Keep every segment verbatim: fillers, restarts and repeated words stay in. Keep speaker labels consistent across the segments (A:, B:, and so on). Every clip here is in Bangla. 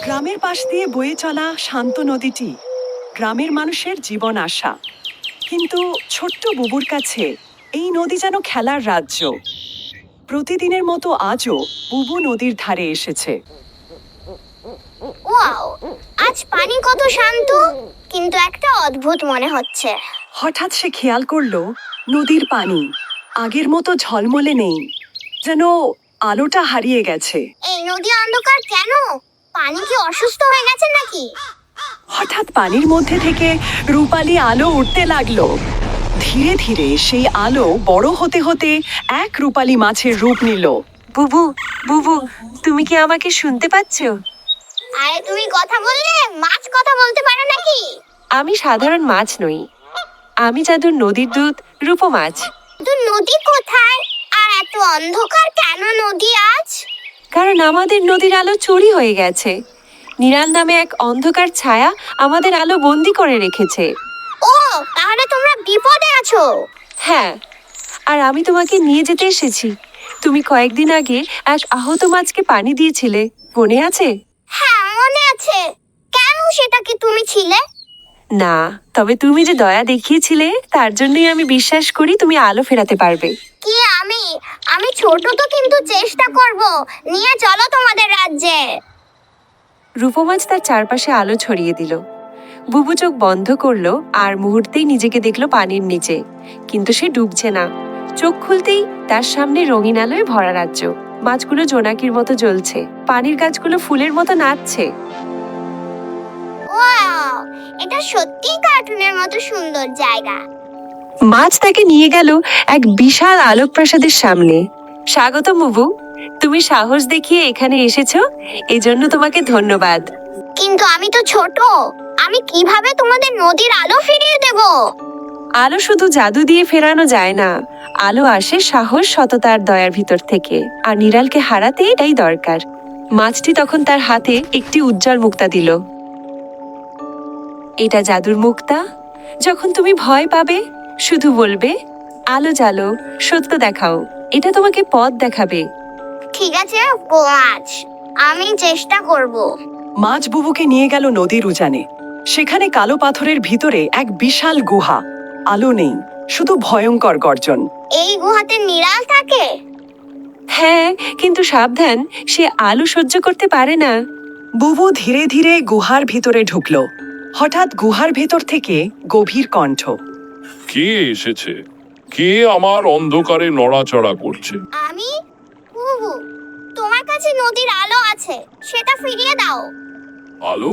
A: গ্রামের পাশ দিয়ে বয়ে চলা শান্ত নদীটি গ্রামের মানুষের জীবন আশা। কিন্তু ছোট্ট বুবুর কাছে এই নদী যেন খেলার রাজ্য। প্রতিদিনের মতো আজও বুবু নদীর ধারে এসেছে।
B: ওয়াও, আজ পানি কত শান্ত, কিন্তু একটা অদ্ভুত মনে হচ্ছে।
A: হঠাৎ সে খেয়াল করলো নদীর পানি আগের মতো ঝলমলে নেই, যেন আলোটা হারিয়ে গেছে।
B: এই নদী অন্ধকার কেন? পানি কি অসুস্থ হয়ে গেছে নাকি?
A: হঠাৎ পানির মধ্যে থেকে রূপালি আলো উঠতে লাগলো। ধীরে ধীরে সেই আলো বড় হতে হতে এক রূপালি মাছের রূপ নিল।
C: বুবু, বুবু, তুমি কি আমাকে শুনতে পাচ্ছ?
B: আরে তুমি কথা বললে মাছ কথা বলতে পারে নাকি?
C: আমি সাধারণ মাছ নই, আমি জাদুর নদীর দূত রূপো মাছ।
B: তো নদী কোথায়? আর এত অন্ধকার কেন নদী আজ?
C: কারণ আমাদের নদীর আলো চুরি হয়ে গেছে। নিরাল নামে এক অন্ধকার ছায়া আমাদের আলো বন্দি করে রেখেছে।
B: ও, তাহলে তোমরা বিপদে আছো।
C: হ্যাঁ, আর আমি তোমাকে নিয়ে যেতে এসেছি। তুমি কয়েকদিন আগে এক আহত মাছকে পানি দিয়েছিলে, মনে আছে?
B: হ্যাঁ, মনে আছে। কেন, সেটা কি তুমি ছিলে?
C: না, তবে তুমি যে দয়া দেখিয়েছিলে তার জন্যই আমি বিশ্বাস করি তুমি আলো ফেরাতে পারবে।
B: কি আমি? আমি ছোট তো, কিন্তু চেষ্টা করব। নিয়ে চলো তোমাদের রাজ্যে।
C: রূপমাছ তার চারপাশে আলো ছড়িয়ে দিল। বুবু চোখ বন্ধ করলো আর মুহূর্তেই নিজেকে দেখলো পানির নিচে, কিন্তু সে ডুবছে না। চোখ খুলতেই তার সামনে রঙিন আলোয় ভরা রাজ্য। মাছগুলো জোনাকির মতো জ্বলছে, পানির গাছগুলো ফুলের মতো নাচছে।
B: ওয়াও, এটা সত্যিই কার্টুনের মতো সুন্দর জায়গা।
C: মাছ তাকে নিয়ে গেল এক বিশাল আলোক প্রাসাদের সামনে। স্বাগত বুবু, তুমি সাহস দেখিয়ে এখানে এসেছো, এজন্য তোমাকে ধন্যবাদ।
B: কিন্তু আমি তো ছোট, আমি কিভাবে তোমাদের নদীর আলো ফিরিয়ে দেব?
C: আলো শুধু জাদু দিয়ে ফেরানো যায় না, আলো আসে সাহস, সততার, দয়ার ভিতর থেকে। আর নিরালকে হারাতে এটাই দরকার। মাছটি তখন তার হাতে একটি উজ্জ্বল মুক্তা দিল। এটা জাদুর মুক্তা। যখন তুমি ভয় পাবে শুধু বলবে, আলো জ্বালো, সত্য দেখাও। এটা তোমাকে পথ দেখাবে।
B: ঠিক আছে মাছ, আমি চেষ্টা করব।
A: মাছ বুবুকে নিয়ে গেল নদীর উজানে। সেখানে কালো পাথরের ভিতরে এক বিশাল গুহা। আলো নেই, শুধু ভয়ঙ্কর গর্জন।
B: এই গুহাতে নিরাল থাকে?
C: হ্যাঁ, কিন্তু সাবধান, সে আলো সহ্য করতে পারে না।
A: বুবু ধীরে ধীরে গুহার ভিতরে ঢুকলো। হঠাৎ গুহার ভেতর থেকে গভীর কণ্ঠ।
D: কে এসেছে? কে আমার অন্ধকারে নড়াচড়া করছে?
B: আমি বুবু, তোমার কাছে নদীর আলো আছে, সেটা ফিরিয়ে দাও।
D: আলো?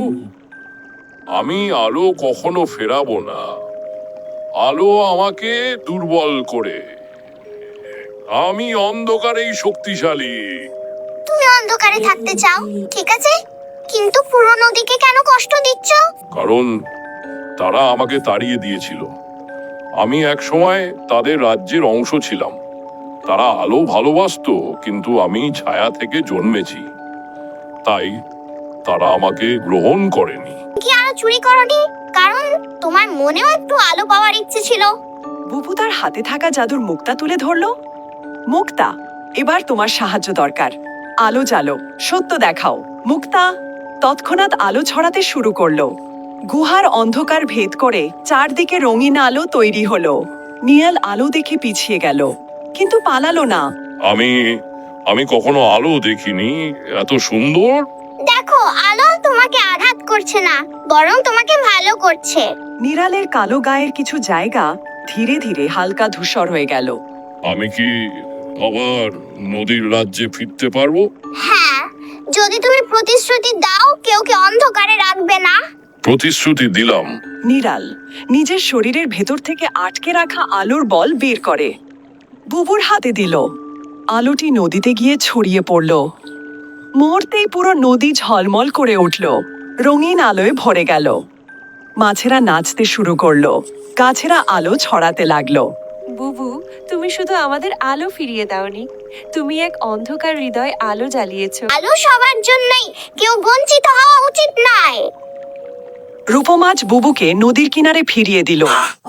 D: আমি আলো কখনো ফেরাবো না। আলো আমাকে দুর্বল করে। আমি অন্ধকারেই শক্তিশালী।
B: তুমি অন্ধকারে থাকতে চাও, ঠিক আছে, কিন্তু পুরো নদীকে কেন কষ্ট দিচ্ছ?
D: কারণ তারা আমাকে তাড়িয়ে দিয়েছিল। আমি এক সময় তাদের রাজ্যের অংশ ছিলাম। তারা আলো ভালোবাসতো, কিন্তু আমি ছায়া থেকে জন্মেছি, তাই তারা আমাকে গ্রহণ করেনি।
B: কি আলো চুরি করনি? কারণ তোমার মনেও একটু আলো পাওয়ার ইচ্ছে ছিল।
A: বুবু তার হাতে থাকা জাদুর মুক্তা তুলে ধরলো। মুক্তা, এবার তোমার সাহায্য দরকার। আলো জ্বালো, সত্য দেখাও। মুক্তা তৎক্ষণাৎ আলো ছড়াতে শুরু করলো। গুহার অন্ধকার ভেদ করে চারদিকে রঙিন আলো তৈরি হলো। নিয়াল আলো দেখে পিছিয়ে গেল, কিন্তু পালালো না।
D: আমি আমি কখনো আলো দেখিনি এত সুন্দর।
B: দেখো, আলো তোমাকে আঘাত করছে না, বরং তোমাকে ভালো করছে।
A: নিরালের কালো গায়ের কিছু জায়গা ধীরে ধীরে হালকা ধূসর হয়ে গেল।
D: আমি কি আবার নদীর রাজ্যে ফিরতে পারবো?
B: হ্যাঁ, যদি তুমি প্রতিশ্রুতি দাও কেউ কে অন্ধকারে রাখবে না।
D: প্রতিশ্রুতি দিলাম।
A: নিরাল নিজের শরীরের ভেতর থেকে আটকে রাখা আলোর বল বের করে বুবুর হাতে দিল। আলোটি নদীতে গিয়ে ছড়িয়ে পড়ল। মুহূর্তেই পুরো নদী ঝলমল করে উঠল, রঙিন আলোয় ভরে গেল। মাছেরা নাচতে শুরু করলো, গাছেরা আলো ছড়াতে লাগলো।
C: বুবু, তুমি শুধু আমাদের আলো ফিরিয়ে দাওনি, তুমি এক অন্ধকার হৃদয় আলো জ্বালিয়েছো।
B: আলো সবার জন্যই, কেউ বঞ্চিত হওয়া উচিত নয়।
A: রূপমাছ বুবুকে নদীর কিনারে ফিরিয়ে দিল।